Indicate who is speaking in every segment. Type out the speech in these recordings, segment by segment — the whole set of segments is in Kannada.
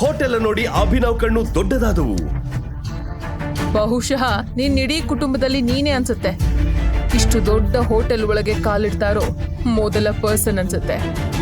Speaker 1: ಹೋಟೆಲ್ ನೋಡಿ ಅಭಿನವ್ ಕಣ್ಣು ದೊಡ್ಡದಾದವು.
Speaker 2: ಬಹುಶಃ ನಿನ್ ಇಡೀ ಕುಟುಂಬದಲ್ಲಿ ನೀನೇ ಅನ್ಸುತ್ತೆ ಇಷ್ಟು ದೊಡ್ಡ ಹೋಟೆಲ್ ಒಳಗೆ ಕಾಲಿಡ್ತಾ ಇರೋ ಮೊದಲ ಪರ್ಸನ್ ಅನ್ಸುತ್ತೆ.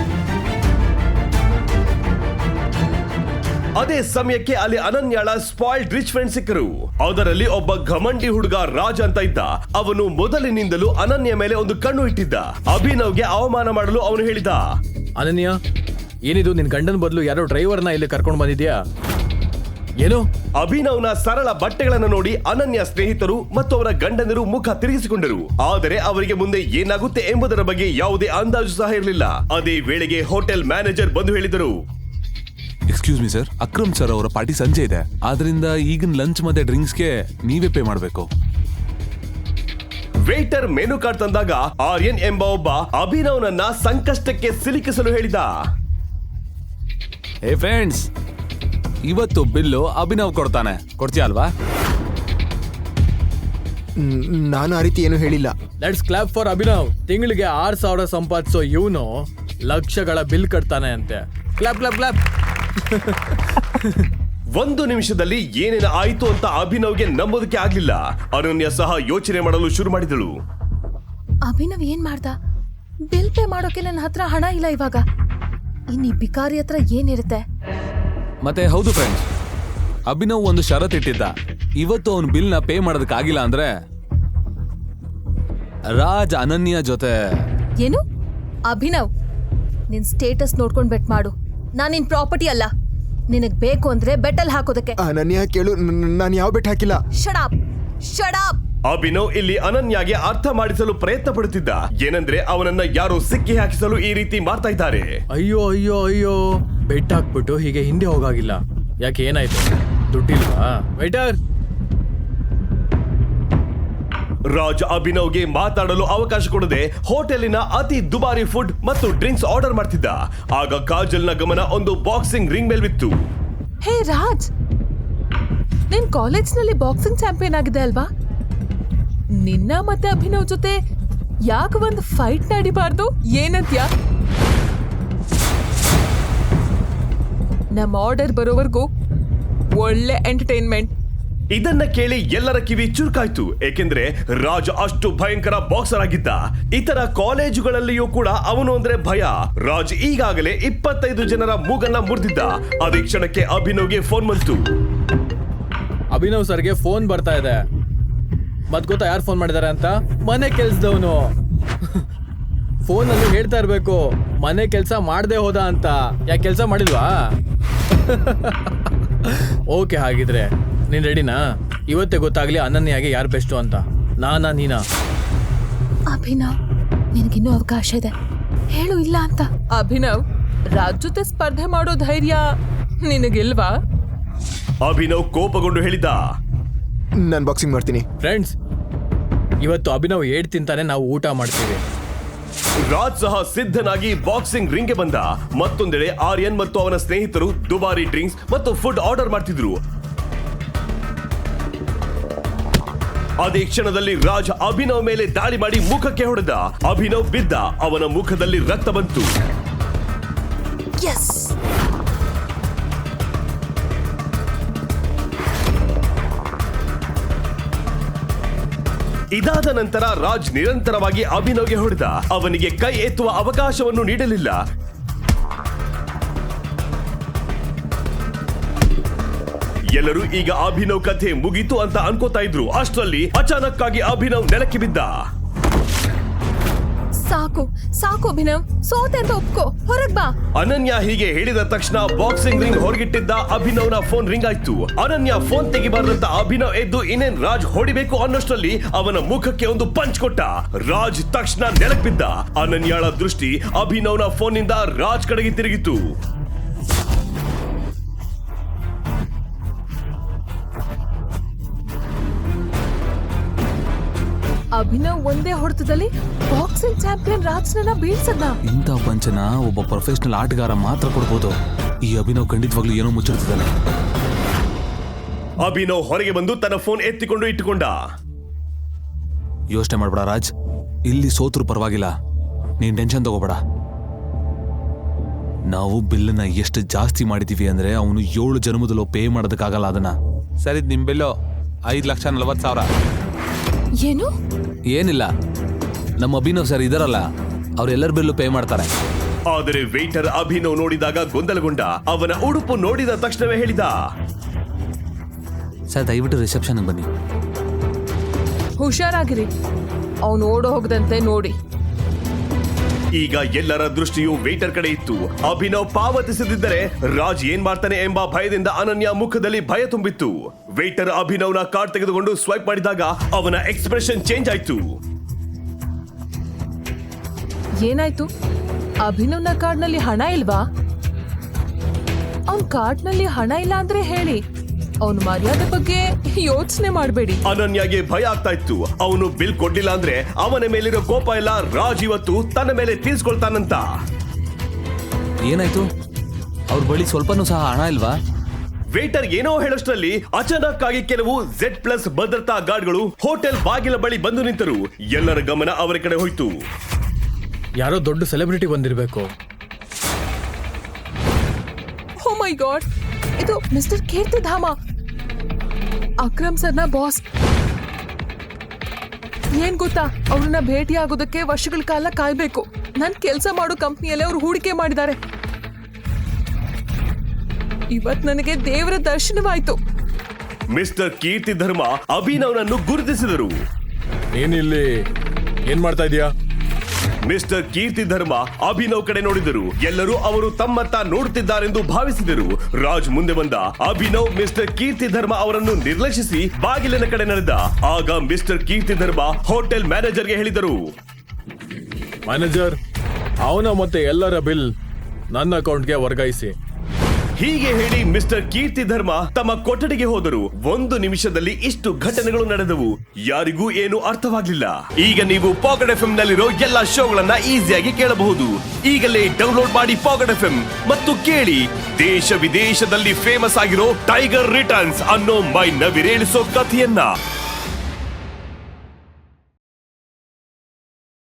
Speaker 1: ಅದೇ ಸಮಯಕ್ಕೆ ಅಲ್ಲಿ ಅನನ್ಯಾಳ ಸ್ಪಾಯ್ಲ್ಡ್ ರಿಚ್ ಫ್ರೆಂಡ್ ಸಿಕ್ಕರು. ಅದರಲ್ಲಿ ಒಬ್ಬ ಘಮಂಡಿ ಹುಡುಗ ರಾಜ್ ಅಂತ ಇದ್ದ. ಅವನು ಮೊದಲಿನಿಂದಲೂ ಅನನ್ಯ ಮೇಲೆ ಒಂದು ಕಣ್ಣು ಇಟ್ಟಿದ್ದ. ಅಭಿನವ್ಗೆ ಅವಮಾನ ಮಾಡಲು ಅವನು ಹೇಳಿದ,
Speaker 3: ಅನನ್ಯ, ಏನಿದು ನಿನ್ ಗಂಡನ ಬದಲು ಯಾರೋ ಡ್ರೈವರ್ನ ಇಲ್ಲಿ ಕರ್ಕೊಂಡು ಬಂದಿದ್ಯಾ? ಏನು?
Speaker 1: ಅಭಿನವ್ನ ಸರಳ ಬಟ್ಟೆಗಳನ್ನು ನೋಡಿ ಅನನ್ಯ ಸ್ನೇಹಿತರು ಮತ್ತು ಅವರ ಗಂಡನರು ಮುಖ ತಿರುಗಿಸಿಕೊಂಡರು. ಆದರೆ ಅವರಿಗೆ ಮುಂದೆ ಏನಾಗುತ್ತೆ ಎಂಬುದರ ಬಗ್ಗೆ ಯಾವುದೇ ಅಂದಾಜು ಸಹ ಇರಲಿಲ್ಲ. ಅದೇ ವೇಳೆಗೆ ಹೋಟೆಲ್ ಮ್ಯಾನೇಜರ್ ಬಂದು ಹೇಳಿದರು,
Speaker 4: excuse me sir, Akram sir ಅವರ ಪಾರ್ಟಿ ಸಂಜೆ ಇದೆ, ಆದ್ರಿಂದ ಈಗಿನ ಲಂಚ್ ಮತ್ತೆ ಡ್ರಿಂಕ್ಸ್ಗೆ ನೀವೇ ಪೇ ಮಾಡಬೇಕು.
Speaker 1: ವೇಟರ್ ಮೆನು ಕಾರ್ಡ್ ತಂದಾಗ ಆರ್ಯನ್ ಎಂಬ ಒಬ್ಬ ಅಭಿನವ್ನನ್ನ ಸಂಕಷ್ಟಕ್ಕೆ ಸಿಲುಕಿಸಲು ಹೇಳಿದ.
Speaker 4: ಹೇ ಫ್ರೆಂಡ್ಸ್, ಇವತ್ತು ಬಿಲ್ಲು ಅಭಿನವ್ ಕೊಡ್ತಾನೆ, ಕೊಡ್ತೀಯ ಅಲ್ವಾ?
Speaker 5: ನಾನು ಆ ರೀತಿ ಏನು ಹೇಳಿಲ್ಲ.
Speaker 3: Let's clap for Abhinav. ತಿಂಗಳಿಗೆ 6,000 ಸಂಪಾದಿಸೋ ಇವನು ಲಕ್ಷಗಳ ಬಿಲ್ ಕಟ್ತಾನೆ ಅಂತೆ. Clap clap clap.
Speaker 1: ಒಂದು ನಿಮಿಷದಲ್ಲಿ ಏನೇನು ಆಯಿತು ಅಂತ ಅಭಿನವ್ಗೆ ನಂಬೋದಕ್ಕೆ ಆಗ್ಲಿಲ್ಲ. ಅನನ್ಯ ಸಹ ಯೋಚನೆ ಮಾಡಲು ಶುರು ಮಾಡಿದಳು.
Speaker 2: ಅಭಿನವ್ ಏನ್ ಮಾಡ್ದ? ಬಿಲ್ ಪೇ ಮಾಡೋಕೆ ನನ್ನ ಹತ್ರ ಹಣ ಇಲ್ಲ ಇವಾಗ. ಇನ್ನಿ ಬಿಕಾರಿ ಹತ್ರ ಏನಿರುತ್ತೆ?
Speaker 4: ಮತ್ತೆ ಹೌದು ಫ್ರೆಂಡ್ಸ್, ಅಭಿನವ್ ಒಂದು ಷರತ್ ಇಟ್ಟಿದ್ದ. ಇವತ್ತು ಅವನು ಬಿಲ್ ನ ಪೇ ಮಾಡೋದಕ್ಕಾಗಿಲ್ಲ ಅಂದ್ರೆ ರಾಜ್ ಅನನ್ಯ ಜೊತೆ.
Speaker 2: ಏನು? ಅಭಿನವ್, ನಿನ್ ಸ್ಟೇಟಸ್ ನೋಡ್ಕೊಂಡ್ ಬೆಟ್ ಮಾಡು. ನಾನ್ ನಿನ್ ಪ್ರಾಪರ್ಟಿ ಅಲ್ಲ. ನಿನಗ್ ಬೇಕು ಅಂದ್ರೆ ಬೆಟ್ಟಲ್ ಹಾಕೋದಕ್ಕೆ.
Speaker 5: ಅನನ್ಯ ಕೇಳು, ನಾನು ಯಾವ ಬೆಟ್ ಹಾಕಿಲ್ಲ.
Speaker 2: Shut up.
Speaker 1: ಅಭಿನವ್ ಇಲ್ಲಿ ಅನನ್ಯಾಗೆ ಅರ್ಥ ಮಾಡಿಸಲು ಪ್ರಯತ್ನ ಪಡುತ್ತಿದ್ದ. ಏನಂದ್ರೆ ಅವನನ್ನ ಯಾರೋ ಸಿಕ್ಕಿ ಹಾಕಿಸಲು ಈ ರೀತಿ ಮಾಡ್ತಾ ಇದ್ದಾರೆ.
Speaker 3: ಅಯ್ಯೋ ಅಯ್ಯೋ ಅಯ್ಯೋ, ಬೆಟ್ ಹಾಕ್ಬಿಟ್ಟು ಹೀಗೆ ಹಿಂದೆ ಹೋಗಾಗಿಲ್ಲ. ಯಾಕೆ, ಏನಾಯ್ತು? ದುಡ್ಡಿಲ್ವಾ? ವೈಟರ್.
Speaker 1: ರಾಜ್ ಅಭಿನವ್ಗೆ ಮಾತಾಡಲು ಅವಕಾಶ ಕೊಡದೆ ಹೋಟೆಲಿನ ಅತಿ ದುಬಾರಿ ಫುಡ್ ಮತ್ತು ಡ್ರಿಂಕ್ಸ್ ಆರ್ಡರ್ ಮಾಡ್ತಿದ್ದ. ಆಗ ಕಾಜಲ್ನ ಗಮನ ಒಂದು ಬಾಕ್ಸಿಂಗ್ ರಿಂಗ್ ಮೇಲ್ವಿತ್ತು.
Speaker 2: ಹೇ ರಾಜ್, ನಿನ್ ಕಾಲೇಜ್ನಲ್ಲಿ ಬಾಕ್ಸಿಂಗ್ ಚಾಂಪಿಯನ್ ಆಗಿದೆ ಅಲ್ವಾ? ನಿನ್ನ ಮತ್ತೆ ಅಭಿನವ್ ಜೊತೆ ಯಾಕೆ ಒಂದು ಫೈಟ್ ನಡಿಬಾರ್ದು? ಏನಂತ್ಯಾ? ನಮ್ಮ ಆರ್ಡರ್ ಬರೋವರೆಗೂ ಒಳ್ಳೆ ಎಂಟರ್ಟೈನ್ಮೆಂಟ್.
Speaker 1: ಇದನ್ನ ಕೇಳಿ ಎಲ್ಲರ ಕಿವಿ ಚುರುಕಾಯ್ತು. ಏಕೆಂದ್ರೆ ರಾಜ್ ಅಷ್ಟು ಭಯಂಕರ ಬಾಕ್ಸರ್ ಆಗಿದ್ದ. ಇತರ ಕಾಲೇಜುಗಳಲ್ಲಿಯೂ ಕೂಡ ಅವನು ಅಂದ್ರೆ ಭಯ. ರಾಜ್ ಈಗಾಗಲೇ 25 ಜನರ ಮೂಗನ್ನ ಮುರಿದಿದ್ದ. ಅದೇ ಕ್ಷಣಕ್ಕೆ ಅಭಿನವ್ಗೆ ಫೋನ್ ಬಂತು.
Speaker 3: ಅಭಿನವ್ ಸರ್ಗೆ ಫೋನ್ ಬರ್ತಾ ಇದೆ. ಮತ್ ಗೊತ್ತಾ ಯಾರು ಫೋನ್ ಮಾಡಿದಾರೆ ಅಂತ? ಮನೆ ಕೆಲ್ಸದವನು. ಫೋನಲ್ಲಿ ಹೇಳ್ತಾ ಇರ್ಬೇಕು, ಮನೆ ಕೆಲಸ ಮಾಡದೆ ಹೋದ ಅಂತ. ಯಾಕೆ ಕೆಲಸ ಮಾಡಿಲ್ವಾ? ಓಕೆ, ಹಾಗಿದ್ರೆ ನೀನ್ ರೆಡಿನಾ? ಇವತ್ತೇ ಗೊತ್ತಾಗ್ಲಿ ಅನನ್ಯಾಗೆ ಯಾರು ಬೆಸ್ಟು ಅಂತ. ನೀನಾ?
Speaker 2: ಅಭಿನವ್, ನಿನಗಿನ್ನೂ ಅವಕಾಶ ಇದೆ, ಹೇಳು ಇಲ್ಲ ಅಂತ. ಅಭಿನವ್, ರಾಜ್ ಜೊತೆ ಸ್ಪರ್ಧೆ ಮಾಡೋ ಧೈರ್ಯ ನಿನಗಿಲ್ವಾ?
Speaker 1: ಅಭಿನವ್ ಕೋಪಗೊಂಡು ಹೇಳಿದ,
Speaker 5: ನಾನು ಬಾಕ್ಸಿಂಗ್ ಮಾಡ್ತೀನಿ.
Speaker 3: ಫ್ರೆಂಡ್ಸ್, ಇವತ್ತು ಅಭಿನವ್ ಏಡ್ ತಿಂತಾನೆ, ನಾವು ಊಟ ಮಾಡ್ತೀವಿ.
Speaker 1: ರಾಜ್ ಸಹ ಸಿದ್ಧನಾಗಿ ಬಾಕ್ಸಿಂಗ್ ರಿಂಗ್ಗೆ ಬಂದ. ಮತ್ತೊಂದೆಡೆ ಆರ್ಯನ್ ಮತ್ತು ಅವನ ಸ್ನೇಹಿತರು ದುಬಾರಿ ಡ್ರಿಂಕ್ಸ್ ಮತ್ತು ಫುಡ್ ಆರ್ಡರ್ ಮಾಡ್ತಿದ್ರು. ಅದೇ ಕ್ಷಣದಲ್ಲಿ ರಾಜ್ ಅಭಿನವ್ ಮೇಲೆ ದಾಳಿ ಮಾಡಿ ಮುಖಕ್ಕೆ ಹೊಡೆದ. ಅಭಿನವ್ ಬಿದ್ದ. ಅವನ ಮುಖದಲ್ಲಿ ರಕ್ತ ಬಂತು. ಇದಾದ ನಂತರ ರಾಜ್ ನಿರಂತರವಾಗಿ ಅಭಿನವ್ಗೆ ಹೊಡೆದ. ಅವನಿಗೆ ಕೈ ಎತ್ತುವ ಅವಕಾಶವನ್ನು ನೀಡಲಿಲ್ಲ. ಎಲ್ಲರೂ ಈಗ ಅಭಿನವ್ ಕಥೆ ಮುಗೀತು ಅಂತ ಅನ್ಕೋತಾ ಇದ್ರು. ಅಷ್ಟರಲ್ಲಿ ಅಚಾನಕ್ ಆಗಿ ಅಭಿನವ್ ನೆಲಕ್ಕೆ ಬಿದ್ದ.
Speaker 2: ಸಾಕು ಅಭಿನವ್, ಸೋತೆ ಅಂತ ಒಪ್ಕೋ, ಹೊರಗ್ ಬಾ.
Speaker 1: ಅನನ್ಯ ಹೀಗೆ ಹೇಳಿದ ತಕ್ಷಣ ಬಾಕ್ಸಿಂಗ್ ರಿಂಗ್ ಹೊರಗಿಟ್ಟಿದ್ದ ಅಭಿನವ್ನ ಫೋನ್ ರಿಂಗ್ ಆಯ್ತು. ಅನನ್ಯ ಫೋನ್ ತೆಗಿಬಾರ್ದಂತ ಅಭಿನವ್ ಎದ್ದು ಇನ್ನೇನ್ ರಾಜ್ ಹೊಡಿಬೇಕು ಅನ್ನೋಷ್ಟರಲ್ಲಿ ಅವನ ಮುಖಕ್ಕೆ ಒಂದು ಪಂಚ್ ಕೊಟ್ಟ. ರಾಜ್ ತಕ್ಷಣ ನೆಲಕ್ ಬಿದ್ದ. ಅನನ್ಯಾಳ ದೃಷ್ಟಿ ಅಭಿನವ್ನ ಫೋನ್ ನಿಂದ ರಾಜ್ ಕಡೆಗೆ ತಿರುಗಿತು.
Speaker 2: ಅಭಿನವ್ ಒಂದೇ ಹೊಡೆತದಲ್ಲಿ ಬಾಕ್ಸಿಂಗ್ ಚಾಂಪಿಯನ್ ರಾಜ್ನ ಬೀಳ್ಸದ್ನ.
Speaker 4: ಇಂಥ ಪಂಚನ ಒಬ್ಬ ಪ್ರೊಫೆಷನಲ್ ಆಟಗಾರ ಮಾತ್ರ ಕೊಡ್ಬೋದು. ಈ ಅಭಿನವ್ ಖಂಡಿತವಾಗ್ಲೂ ಏನೋ ಮುಚ್ಚಿಡ್ತಿದ್ದಾನೆ.
Speaker 1: ಅಭಿನವ್ ಹೊರಗೆ ಬಂದು ತನ್ನ ಫೋನ್ ಎತ್ತಿಕೊಂಡು ಇಟ್ಟುಕೊಂಡ.
Speaker 4: ಯೋಚನೆ ಮಾಡ್ಬೇಡ ರಾಜ್, ಇಲ್ಲಿ ಸೋತ್ರು ಪರವಾಗಿಲ್ಲ, ನೀನ್ ಟೆನ್ಷನ್ ತಗೋಬೇಡ. ನಾವು ಬಿಲ್ಲನ್ನ ಎಷ್ಟು ಜಾಸ್ತಿ ಮಾಡಿದೀವಿ ಅಂದ್ರೆ ಅವನು 7 ಜನ್ಮದಲ್ಲೂ ಪೇ ಮಾಡೋದಕ್ಕಾಗಲ್ಲ ಅದನ್ನ. ಸರಿ, ನಿಮ್ ಬಿಲ್ಲು 5,40,000.
Speaker 2: ಏನು?
Speaker 4: ಏನಿಲ್ಲ, ನಮ್ಮ ಅಭಿನವ್ ಸರ್ ಇದಾರಲ್ಲ, ಅವ್ರೆಲ್ಲರ ಬಿಲ್ಲು ಪೇ ಮಾಡ್ತಾರೆ.
Speaker 1: ಆದರೆ ವೇಟರ್ ಅಭಿನವ್ ನೋಡಿದಾಗ ಗೊಂದಲಗೊಂಡ. ಅವನ ಉಡುಪು ನೋಡಿದ ತಕ್ಷಣವೇ ಹೇಳಿದ,
Speaker 4: ಸರ್ ದಯವಿಟ್ಟು ರಿಸೆಪ್ಷನ್ಗೆ ಬನ್ನಿ.
Speaker 2: ಹುಷಾರಾಗಿರಿ, ಅವನು ಓಡೋ ಹೋಗದಂತೆ ನೋಡಿ.
Speaker 1: ಈಗ ಎಲ್ಲರ ದೃಷ್ಟಿಯು ವೇಟರ್ ಕಡೆ ಇತ್ತು. ಅಭಿನವ್ ಪಾವತಿಸದಿದ್ದರೆ ರಾಜ್ ಏನ್ ಮಾಡ್ತಾನೆ ಎಂಬ ಭಯದಿಂದ ಅನನ್ಯ ಮುಖದಲ್ಲಿ ಭಯ ತುಂಬಿತ್ತು. ವೇಟರ್ ಅಭಿನವ್ನ ಕಾರ್ಡ್ ತೆಗೆದುಕೊಂಡು ಸ್ವೈಪ್ ಮಾಡಿದಾಗ ಅವನ ಎಕ್ಸ್ಪ್ರೆಷನ್ ಚೇಂಜ್ ಆಯ್ತು.
Speaker 2: ಏನಾಯ್ತು? ಅಭಿನವ್ನ ಕಾರ್ಡ್ನಲ್ಲಿ ಹಣ ಇಲ್ವಾ? ಅವನ್ ಕಾರ್ಡ್ನಲ್ಲಿ ಹಣ ಇಲ್ಲ ಅಂದ್ರೆ ಹೇಳಿ, ಅವನ ಮರ್ಯಾದೆ ಬಗ್ಗೆ ಯೋಚನೆ ಮಾಡಬೇಡಿ.
Speaker 1: ಅನನ್ಯಗೆ ಭಯ ಆಗ್ತಾ ಇತ್ತು. ಅವನು ಬಿಲ್ ಕೊಡ್ಲಿಲ್ಲ ಅಂದ್ರೆ ಅವನ ಮೇಲಿರೋ ಕೋಪ ಎಲ್ಲ ರಾಜ್ ಇವತ್ತು ತನ್ನ ಮೇಲೆ ತೀರ್ಸ್ಕೊಳ್ತಾನಂತ.
Speaker 4: ಏನಾಯ್ತು? ಅವ್ರ ಬಳಿ ಸ್ವಲ್ಪನೂ ಸಹ ಹಣ ಇಲ್ವಾ?
Speaker 1: ವೇಟರ್ ಏನೋ ಹೇಳೋಷ್ಟರಲ್ಲಿ ಅಚಾನಕ್ ಆಗಿ ಕೆಲವು Z+ ಭದ್ರತಾ ಗಾರ್ಡ್ಗಳು ಹೋಟೆಲ್ ಬಾಗಿಲ ಬಳಿ ಬಂದು ನಿಂತರು. ಎಲ್ಲರ ಗಮನ ಅವರ ಕಡೆ ಹೋಯ್ತು.
Speaker 3: ಯಾರೋ ದೊಡ್ಡ ಸೆಲೆಬ್ರಿಟಿ ಬಂದಿರಬೇಕು.
Speaker 2: ಓ ಮೈ ಗಾಡ್, ಇದು ಮಿಸ್ಟರ್ ಕೀರ್ತಿಧಾಮ, ಅಕ್ರಮ್ ಸರ್ನ ಬಾಸ್. ಏನ್ ಗೊತ್ತಾ, ಅವ್ರನ್ನ ಭೇಟಿ ಆಗೋದಕ್ಕೆ ವರ್ಷಗಳ ಕಾಲ ಕಾಯ್ಬೇಕು. ನನ್ ಕೆಲಸ ಮಾಡೋ ಕಂಪ್ನಿಯಲ್ಲೇ ಅವ್ರು ಹೂಡಿಕೆ ಮಾಡಿದ್ದಾರೆ. ಇವತ್ ನನಗೆ ದೇವರ ದರ್ಶನವಾಯ್ತು.
Speaker 1: ಮಿಸ್ಟರ್ ಕೀರ್ತಿ ಧರ್ಮ ಅಭಿನವ್ನನ್ನು ಗುರುತಿಸಿದರು.
Speaker 3: ನೀನಿಲ್ಲಿ ಏನ್ ಮಾಡ್ತಾ ಇದೀಯಾ?
Speaker 1: ಮಿಸ್ಟರ್ ಕೀರ್ತಿ ಧರ್ಮ ಅಭಿನವ್ ಕಡೆ ನೋಡಿದರು. ಎಲ್ಲರೂ ಅವರು ತಮ್ಮತ್ತ ನೋಡುತ್ತಿದ್ದಾರೆಂದು ಭಾವಿಸಿದರು. ರಾಜ್ ಮುಂದೆ ಬಂದ. ಅಭಿನವ್ ಮಿಸ್ಟರ್ ಕೀರ್ತಿ ಧರ್ಮ ಅವರನ್ನು ನಿರ್ಲಕ್ಷಿಸಿ ಬಾಗಿಲಿನ ಕಡೆ ನಡೆದ. ಆಗ ಮಿಸ್ಟರ್ ಕೀರ್ತಿ ಧರ್ಮ ಹೋಟೆಲ್ ಮ್ಯಾನೇಜರ್ಗೆ ಹೇಳಿದರು,
Speaker 3: ಮ್ಯಾನೇಜರ್, ಅವನ ಮತ್ತೆ ಎಲ್ಲರ ಬಿಲ್ ನನ್ನ ಅಕೌಂಟ್ಗೆ ವರ್ಗಾಯಿಸಿ.
Speaker 1: ಹೀಗೆ ಹೇಳಿ ಮಿಸ್ಟರ್ ಕೀರ್ತಿ ಧರ್ಮ ತಮ್ಮ ಕೊಠಡಿಗೆ ಹೋದರು. 1 ನಿಮಿಷದಲ್ಲಿ ಇಷ್ಟು ಘಟನೆಗಳು ನಡೆದವು. ಯಾರಿಗೂ ಏನು ಅರ್ಥವಾಗ್ಲಿಲ್ಲ. ಈಗ ನೀವು ಪಾಕೆಟ್ FM ನಲ್ಲಿರೋ ಎಲ್ಲಾ ಶೋಗಳನ್ನ ಈಸಿಯಾಗಿ ಕೇಳಬಹುದು. ಈಗಲೇ ಡೌನ್ಲೋಡ್ ಮಾಡಿ ಪಾಕೆಟ್ FM ಮತ್ತು ಕೇಳಿ ದೇಶ ವಿದೇಶದಲ್ಲಿ ಫೇಮಸ್ ಆಗಿರೋ ಟೈಗರ್ ರಿಟರ್ನ್ಸ್ ಅನ್ನೋ ಮೈ ನವಿರೇಳಿಸೋ ಕಥೆಯನ್ನ.